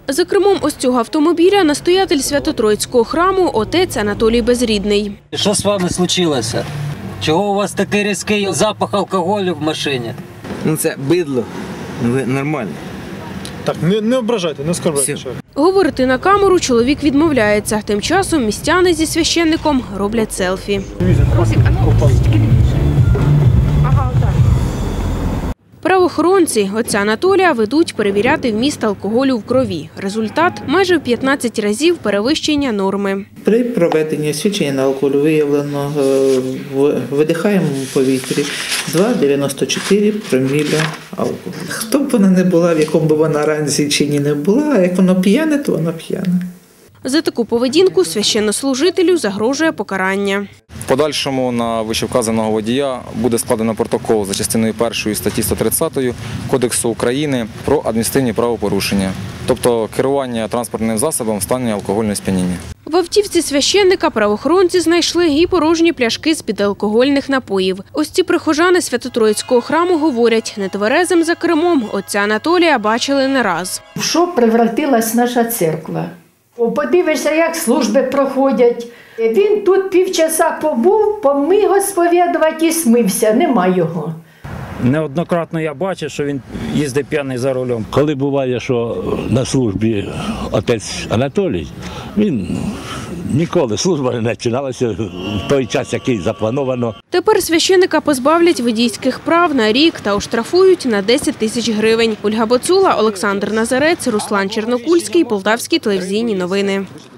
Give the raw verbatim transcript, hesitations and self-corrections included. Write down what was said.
За кермом ось цього автомобіля настоятель Свято-Троїцького храму отець Анатолій Безрідний. Що з вами случилося? Чого у вас такий різкий запах алкоголю в машині? Ну це бидло, ви нормально. Так, не, не ображайте, не оскорбляйте. Говорити на камеру чоловік відмовляється. Тим часом містяни зі священником роблять селфі. Правоохоронці отця Анатолія ведуть перевіряти вміст алкоголю в крові. Результат – майже в п'ятнадцять разів перевищення норми. При проведенні освідчення на алкоголь виявлено в видихаємому повітрі два цілих дев'яносто чотири проміля алкоголю. Хто б вона не була, в якому б вона ранзі чи ні не була, а як воно п'яне, то воно п'яне. За таку поведінку священнослужителю загрожує покарання. В подальшому на вищевказаного водія буде складено протокол за частиною першої статті сто тридцять Кодексу України про адміністративні правопорушення, тобто керування транспортним засобом в стані алкогольного сп'яніння. В автівці священника правоохоронці знайшли і порожні пляшки з-під алкогольних напоїв. Ось ці прихожани Свято-Троїцького храму говорять, нетверезим за кермом отця Анатолія бачили не раз. В що превратилась наша церква? Подивишся, як служби проходять. Він тут півчаса побув, помиг сповідувати і смився. Нема його. Неоднократно я бачив, що він їздить п'яний за рулем. Коли буває, що на службі отець Анатолій, він ніколи служба не починалася в той час, який заплановано. Тепер священика позбавлять водійських прав на рік та оштрафують на десять тисяч гривень. Ольга Боцула, Олександр Назарець, Руслан Чернокульський, Полтавські телевізійні новини.